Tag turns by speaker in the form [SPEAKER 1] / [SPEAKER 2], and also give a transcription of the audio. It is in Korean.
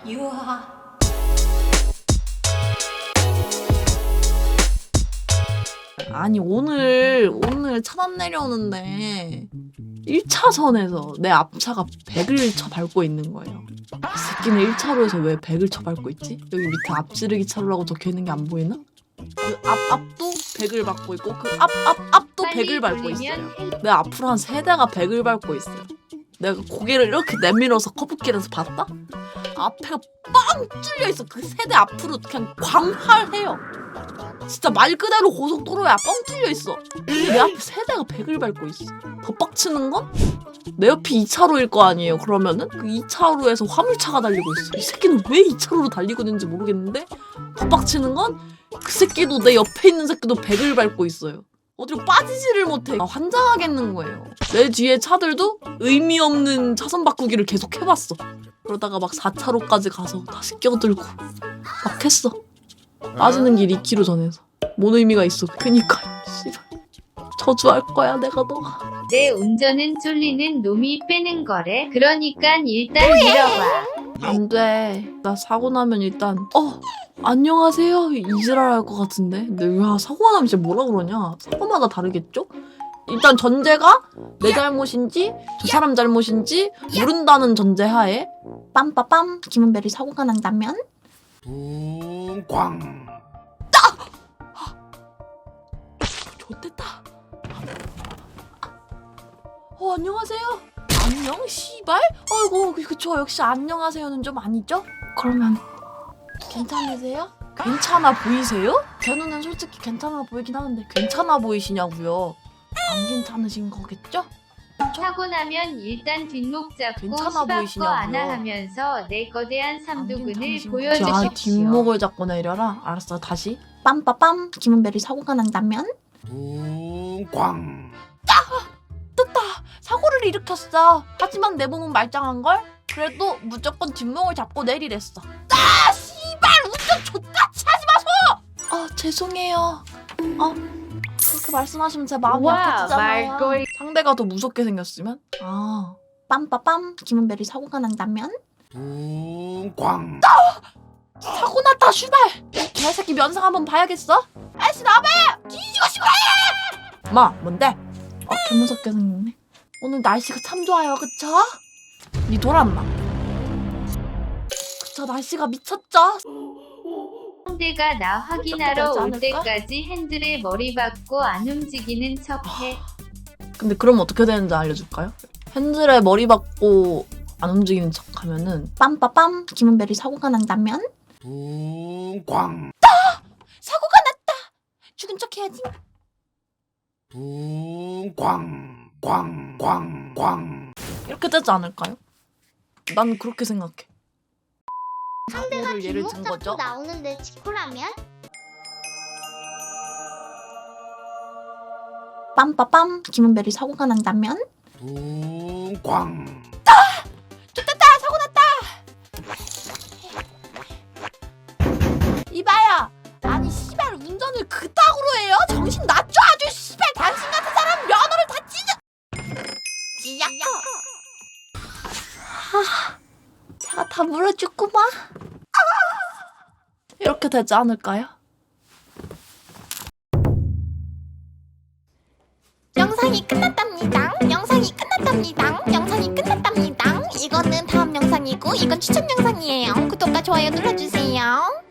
[SPEAKER 1] 유하. 아니 오늘 차단 내려오는데 1차선에서 내 앞차가 100을 쳐밟고 있는 거예요. 이 새끼는 1차로에서 왜 100을 쳐밟고 있지? 여기 밑에 앞지르기 차로라고 적혀있는 게 안 보이나? 그 앞도 100을 밟고 있고 그 앞도 100을 밟고 있어요. 내 앞으로 한 3대가 100을 밟고 있어요. 내가 고개를 이렇게 내밀어서 커브길에서 봤다? 앞에가 빵 뚫려있어. 그 3대 앞으로 그냥 광활해요. 진짜 말 그대로 고속도로야. 뻥 뚫려있어. 근데 내 앞에 3대가 100을 밟고 있어. 더 빡치는 건 내 옆이 2차로일 거 아니에요. 그러면은 그 2차로에서 화물차가 달리고 있어. 이 새끼는 왜 2차로로 달리고 있는지 모르겠는데 더 빡치는 건 그 새끼도 내 옆에 있는 새끼도 100을 밟고 있어요. 어디로 빠지지를 못해. 환장하겠는 거예요. 내 뒤에 차들도 의미 없는 차선 바꾸기를 계속 해봤어. 그러다가 막 4차로까지 가서 다시 껴들고 막 했어. 빠지는 길 2km 전에서. 뭔 의미가 있어. 그니까 씨발 저주할 거야 내가 너가.
[SPEAKER 2] 내 운전은 쫄리는 놈이 빼는 거래. 그러니까 일단 밀어봐.
[SPEAKER 1] 안 돼. 나 사고 나면 일단 안녕하세요 이지랄 할 것 같은데. 근데 왜 사고 나면 진짜 뭐라 그러냐. 사고마다 다르겠죠? 일단 전제가 내 잘못인지 저 사람 잘못인지 모른다는 전제하에 빰빠빰 김은별이 사고가 난다면
[SPEAKER 3] 붕광
[SPEAKER 1] 좋댔다. 안녕하세요. 안녕 씨발? 아이고 그쵸 역시 안녕하세요는 좀 아니죠? 그러면 괜찮으세요? 괜찮아 보이세요? 제 눈엔 솔직히 괜찮아 보이긴 하는데 괜찮아 보이시냐고요? 안 괜찮으신 거겠죠?
[SPEAKER 2] 사고 나면 일단 뒷목 잡고
[SPEAKER 1] 괜찮아
[SPEAKER 2] 시바거
[SPEAKER 1] 보이시냐고요?
[SPEAKER 2] 안아하면서 내 거대한 삼두근을
[SPEAKER 1] 자,
[SPEAKER 2] 보여주십시오.
[SPEAKER 1] 뒷목을 잡고 내려라. 알았어 다시 빰빠빰 김은별이 사고가 난다면
[SPEAKER 3] 붕광
[SPEAKER 1] 떴다. 사고를 일으켰어. 하지만 내 몸은 말짱한걸? 그래도 무조건 뒷목을 잡고 내리랬어. 아 씨발 운전 좆같이 하지 마소. 죄송해요. 그렇게 말씀하시면 제 마음이 아프잖아요.
[SPEAKER 2] 말걸.
[SPEAKER 1] 상대가 더 무섭게 생겼으면? 빰빠빰 김은별이 사고가 난다면?
[SPEAKER 3] 붕광
[SPEAKER 1] 사고 났다 슈발. 이 개새끼 면상 한번 봐야겠어? 아이씨 나봐요. 뒤지고 싶어해. 마 뭔데? 개무섭게 생겼네. 오늘 날씨가 참 좋아요 그쵸? 니 돌았나? 그쵸 날씨가 미쳤죠?
[SPEAKER 2] 상대가 나 확인하러
[SPEAKER 1] 되지
[SPEAKER 2] 올
[SPEAKER 1] 않을까?
[SPEAKER 2] 때까지 핸들에 머리 박고 안 움직이는 척해.
[SPEAKER 1] 근데 그럼 어떻게 되는지 알려줄까요? 핸들에 머리 박고 안 움직이는 척 하면은 빰빠빰 김은별이 사고가 난다면?
[SPEAKER 3] 붕광
[SPEAKER 1] 사고가 났다. 죽은 척 해야지.
[SPEAKER 3] 붕광 광광광
[SPEAKER 1] 이렇게 되지 않을까요? 난 그렇게 생각해.
[SPEAKER 4] 상대가
[SPEAKER 1] 사고를 예를
[SPEAKER 4] 뒷목
[SPEAKER 1] 든
[SPEAKER 4] 잡고
[SPEAKER 1] 거죠?
[SPEAKER 4] 나오는데 치코라면?
[SPEAKER 1] 빰빠빰 김은별이 사고가 난다면?
[SPEAKER 3] 붕광
[SPEAKER 1] 사고 났다. 이봐요. 아니 씨발 운전을 그따구로 해요? 정신 낮춰 아주 씨발. 당신 같은 사람 면허를 다 찢어. 제가 다 물어줬구만. 이렇게 되지 않을까요?
[SPEAKER 4] 영상이 끝났답니다. 영상이 끝났답니다. 영상이 끝났답니다. 이거는 다음 영상이고 이건 추천 영상이에요. 구독과 좋아요 눌러주세요.